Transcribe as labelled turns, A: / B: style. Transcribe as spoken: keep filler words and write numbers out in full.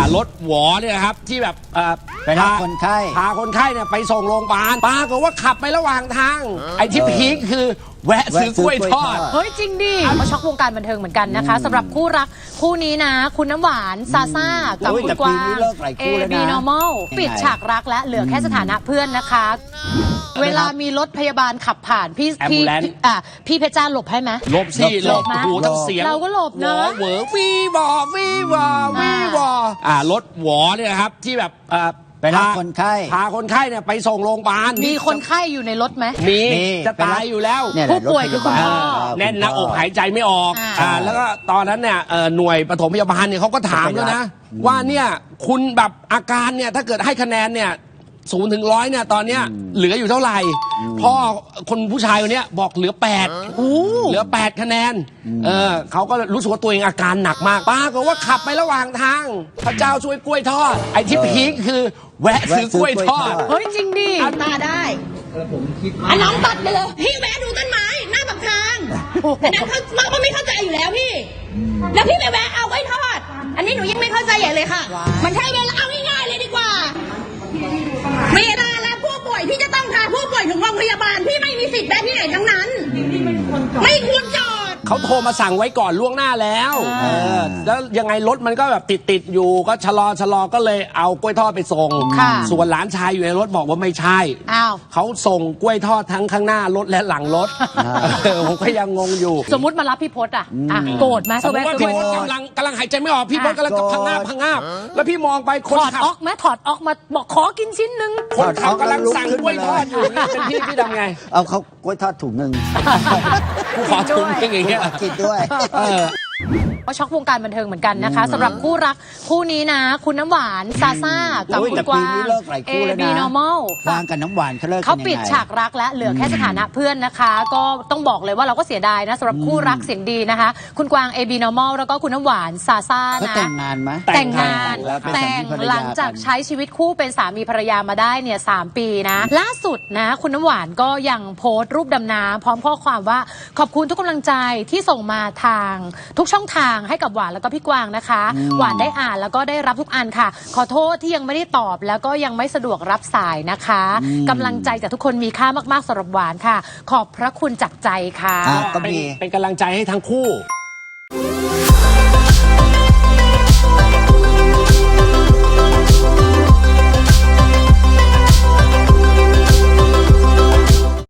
A: ารถหวอเนี่ยนะครับที่แบบ
B: ไปรับคนไข้
A: พาคนไข้เนี่ยไปส่งโรงพยาบาลปรากฏว่าขับไประหว่างทางไอ้ที่พีคคือแวะซื้อกล้วยทอด
C: เฮ้ยจริงดิมาช็อกวงการบันเทิงเหมือนกันนะคะสำหรับคู่รักคู่นี้นะคุณน้ำหวานซาซ่ากับคุณกวางเอบีนอร์มอลปิดฉากรักและเหลือแค่สถานะเพื่อนนะคะเวลามีรถพยาบาลขับผ่านพี่พี่อ่ะพี่เพชรจ้าหลบให้ไหม
A: หลบสิหลบโอ้โหทั้งเสียง
C: เราก็หลบนะ
A: เหวอวีบอวีบอวีบออ่ารถหวอเนี่ยนะครับที่แบบ
B: ไปรับคนไข้
A: พาคนไข้เนี่ยไปส่งโรงพยาบาล
C: มีคนไข้อยู่ในรถไหม
A: มีจะตายอยู่แล้ว
C: ผู้ป่วยคือคุณพ่อ
A: แน่นหน้าอกหายใจไม่ออกอ่าแล้วก็ตอนนั้นเนี่ยหน่วยปฐมพยาบาลเนี่ยเขาก็ถามแล้วนะว่าเนี่ยคุณแบบอาการเนี่ยถ้าเกิดให้คะแนนเนี่ยศูนย์ถึงร้อยเนี่ยตอนเนี้ยเหลืออยู่เท่าไหร่พ่อคนผู้ชายคนนี้บอกเหลือแปดเหลือแปดคะแนนเออเขาก็รู้สึกว่าตัวเองอาการหนักมากป้าก็ว่าขับไประหว่างทางพระเจ้าช่วยกล้วยทอดไอ้ที่พีคคือแวะซื้อกล้วยทอด
C: เฮ้ยจริงดิ
D: มาได้อันน้องตัดไปเลยพี่แวะดูต้นไม้หน้าปากทางแต่นั้นเขาเขาไม่เข้าใจอยู่แล้วพี่แล้วพี่ไปแวะเอากล้วยทอดอันนี้หนูยังไม่เข้าใจใหญ่เลยค่ะมันใช่เวลาเอาง่ายๆเลยดีกว่าเวลาแล้วผู้ป่วยพี่จะต้องพาผู้ป่วยถึงโรงพยาบาลพี่ไม่มีสิทธิ์แวะที่ไหนทั้งนั้นไม่ควรจอด
A: เขาโทรมาสั่งไว้ก่อนล่วงหน้าแล้วเออแล้วยังไงรถมันก็แบบติดติดอยู่ก็ชะลอชะลอก็เลยเอากล้วยทอดไปส่งส่วนหลานชายอยู่ในรถบอกว่าไม่ใช่เขาส่งกล้วยทอดทั้งข้างหน้ารถและหลังรถผมก็ยังงงอยู่
C: สมมุติมารับพี่พศอ่ะโกรธไหม
A: สมมติว่าพี่พศกำลังกำลังหายใจไม่ออกพี่พศกำลังจะพังงาบพังงาบแล้วพี่มองไปคน
C: ขับถอดออกไหมถอดออกมาบอกขอกินชิ้นหนึ่ง
A: คนขับกำลังสั่งกล้วยทอดอยู่เป็นพี่พี่ทำไง
B: เอาเขากล้วยทอดถุงหนึ่ง
A: กูขอถุงอย่างเงี้ย
B: กินด้วย
C: ก็ช็อกวงการบันเทิงเหมือนกันนะคะสำหรับคู่รักคู่นี้นะคุณน้ำหวานซาซ่ากับคุณกวางเอบีนอร์มอล
B: กวางกับน้ำหวานเขาเลิก
C: เขาปิดฉากรักและเหลือแค่สถานะเพื่อนนะคะก็ต้องบอกเลยว่าเราก็เสียดายนะสำหรับคู่รักเสียงดีนะคะคุณกวางเอบีนอร์มอลแล้วก็คุณน้ำหวานซาซ่านะ
B: แต่งงานไหม
C: แต่งงานแต่งหลังจากใช้ชีวิตคู่เป็นสามีภรรยามาได้เนี่ยสามปีนะล่าสุดนะคุณน้ำหวานก็ยังโพสต์รูปดำน้ำพร้อมข้อความว่าขอบคุณทุกกำลังใจที่ส่งมาทางทุกช่องทางให้กับหวานแล้วก็พี่กวางนะคะหวานได้อ่านแล้วก็ได้รับทุกอันค่ะขอโทษที่ยังไม่ได้ตอบแล้วก็ยังไม่สะดวกรับสายนะคะกำลังใจจากทุกคนมีค่ามากๆสำหรับหวานค่ะขอบพระคุณจากใจค่ะ
A: เป็นกำลังใจให้ทั้งคู่